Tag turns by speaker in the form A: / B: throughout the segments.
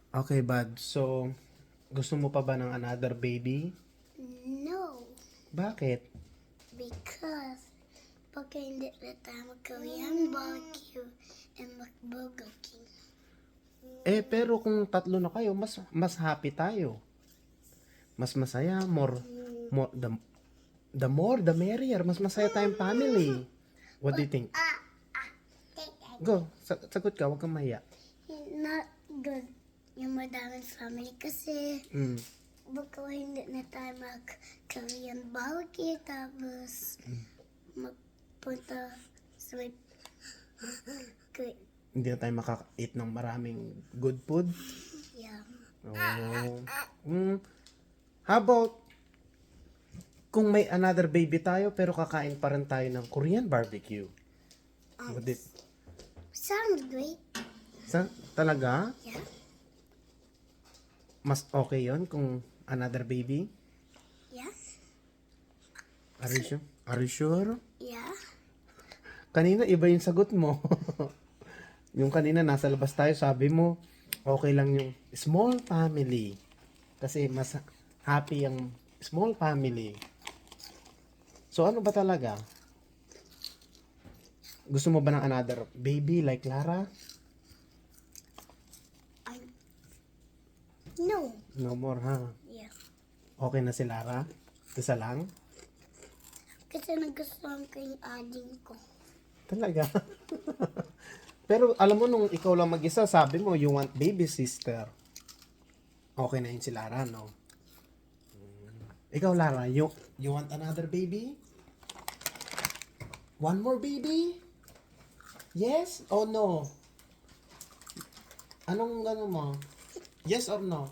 A: Okay, bud. So, gusto mo pa ba ng another baby?
B: No,
A: Bakit?
B: because pagka hindi na tayo mag-Korean barbecue and mag-Burger King.
A: Pero kung tatlo na kayo, mas happy tayo. Mas masaya, more the more the merrier. Mas masaya tayong family. What do you think? Go, sagot ka, huwag kang mahiya.
B: Not good yung madaming family kasi
A: Mm.
B: baka hindi na tayo mag-Korean barbecue tapos magpunta sa may
A: Hindi na tayo makaka-eat ng maraming good food.
B: yeah.
A: Oh. How about kung may another baby tayo pero kakain pa rin tayo ng Korean barbecue? What do you-
B: Sounds great.
A: Talaga?
B: Yeah.
A: Mas okay yon kung another baby?
B: Yeah.
A: Are you sure? Are you sure?
B: Yeah.
A: Kanina iba yung sagot mo. Yung kanina nasa labas tayo, sabi mo okay lang yung small family. Kasi mas happy ang small family. So ano ba talaga? Gusto mo ba ng another baby like Lara?
B: No.
A: No more, ha?
B: Yeah.
A: Okay na si Lara? Isa lang?
B: Kasi nagustuhan ko yung ading ko.
A: Talaga? Pero alam mo, nung ikaw lang mag-isa, sabi mo, you want baby sister. Okay na yun si Lara, no? Ikaw, Lara, you want another baby? One more baby? Yes or no? Anong gano'n mo? Yes or no?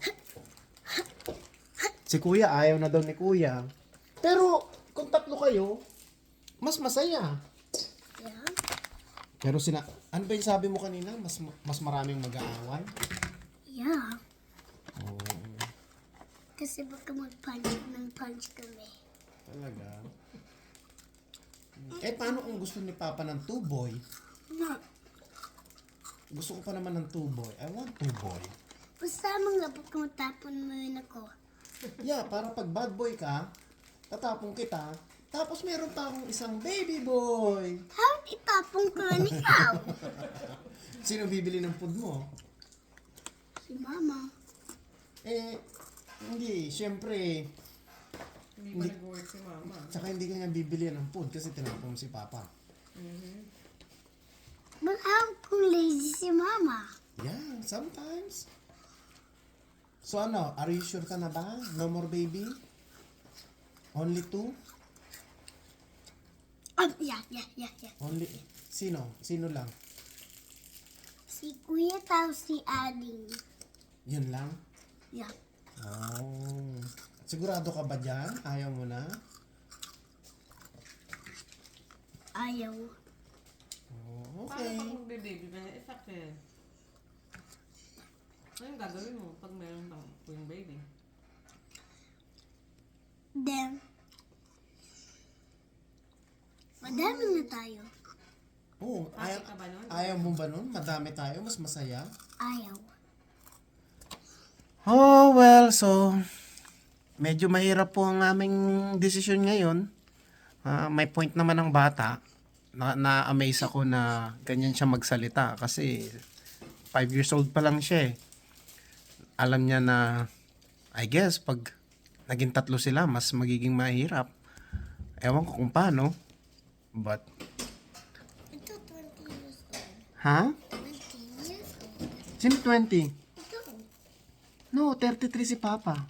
A: Si Kuya, ayaw na daw ni Kuya. Pero, kung tatlo kayo, mas masaya.
B: Yeah.
A: Pero ano ba yung sabi mo kanina? Mas maraming mag-aaway?
B: Yeah.
A: Oo.
B: Kasi baka mag-punch ng punch kami.
A: Talaga? Paano kung gusto ni Papa ng two boy?
B: No.
A: Gusto ko pa naman ng two boy. I want two boy.
B: Basta mga baka matapon mo yun ako.
A: Yeah, para pag bad boy ka, tatapong kita, tapos meron pa akong isang baby boy.
B: How itapong ko na ikaw?
A: Sino bibili ng food mo?
B: Si Mama.
A: Hindi. Siyempre,
C: Hindi pa nag-work si mama.
A: tsaka hindi ka niya bibili ng food kasi tinapong si Papa.
B: But how kung lazy si Mama?
A: Yeah, sometimes. So ano, are you sure ka na ba? No more baby? Only two?
B: Yeah.
A: Only, sino? Sino lang?
B: Si Kuya tao si Ading.
A: Yun lang?
B: Yeah.
A: Oh. Sigurado ka ba dyan? Ayaw mo na?
B: Ayaw.
A: Oh,
C: Paano
A: okay.
C: pag magbe-baby ka na sakit? Ano yung gagawin mo pag meron kang yung baby?
B: Then, madami na tayo.
A: Oh,
C: Happy ka ba nun?
A: ayaw mo ba nun? Madami tayo, mas masaya.
B: Ayaw.
A: Oh, well, so medyo mahirap po ang aming desisyon ngayon. May point naman ng bata. Na-amaze ako na ganyan siya magsalita kasi 5 years old pa lang siya eh. Alam niya na, I guess, pag naging tatlo sila, mas magiging mahirap. Ewan ko kung paano. But,
B: Ito 20 years old.
A: ha?
B: 20 years old.
A: Sino 20?
B: Ito.
A: No, 33 si Papa.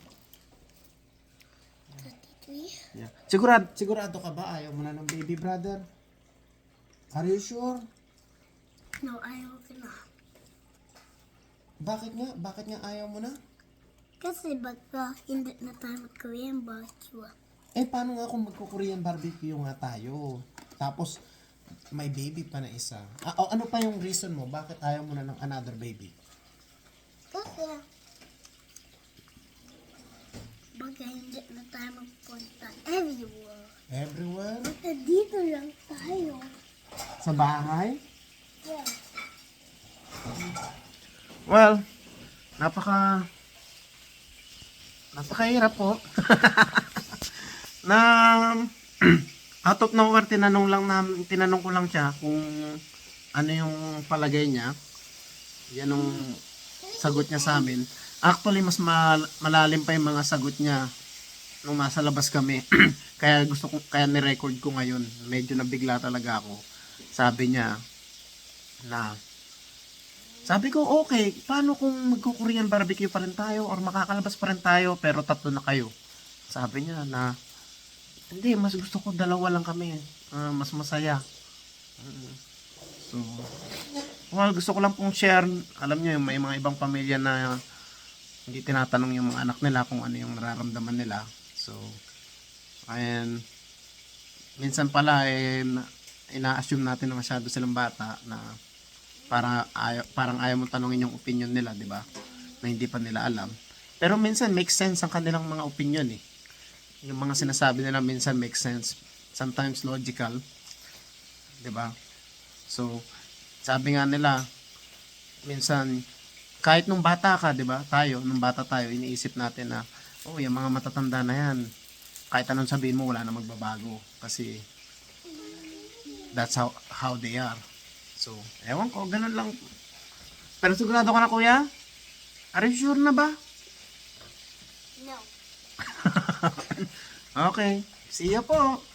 B: 33.
A: Yeah. Sigurado ka ba? Ayaw mo na ng baby brother? Are you sure?
B: No, ayaw ko na.
A: Bakit nga? Bakit nga ayaw mo na?
B: Kasi baka hindi na tayo mag-Korean barbecue.
A: Paano nga kung magko-Korean barbecue nga tayo? Tapos, may baby pa na isa. Ano pa yung reason mo? Bakit ayaw mo na ng another baby?
B: Kasi baka hindi na tayo magpunta everywhere.
A: Everywhere?
B: Baka dito lang tayo.
A: Sa bahay?
B: Yeah.
A: Well, napakahirap po. Na out of nowhere tinanong ko lang siya kung ano yung palagay niya. Yan yung sagot niya sa amin. Actually, mas malalim pa yung mga sagot niya nung nasa labas kami. Kaya ni-record ko ngayon. Medyo nabigla talaga ako. Sabi niya na, sabi ko, okay, paano kung magko-Korean barbecue pa rin tayo or makakalabas pa rin tayo pero tatlo na kayo? Sabi niya na, hindi, mas gusto ko dalawa lang kami. Mas masaya. So, well, gusto ko lang pong share. Alam niyo, may mga ibang pamilya na hindi tinatanong yung mga anak nila kung ano yung nararamdaman nila. So, and minsan pala ina-assume natin na masyado silang bata na parang ayaw mong tanongin yung opinion nila, di ba? Na hindi pa nila alam. Pero minsan makes sense ang kanilang mga opinion eh. Yung mga sinasabi nila minsan makes sense. Sometimes logical. Di ba? So, sabi nga nila, minsan, kahit nung bata ka, di ba? Nung bata tayo, iniisip natin na, oh, yung mga matatanda na yan, kahit anong sabihin mo, wala na magbabago. Kasi, that's how they are. So, ewan ko, ganun lang. Pero sigurado ka na, kuya? Are you sure na ba?
B: No.
A: Okay. See ya po.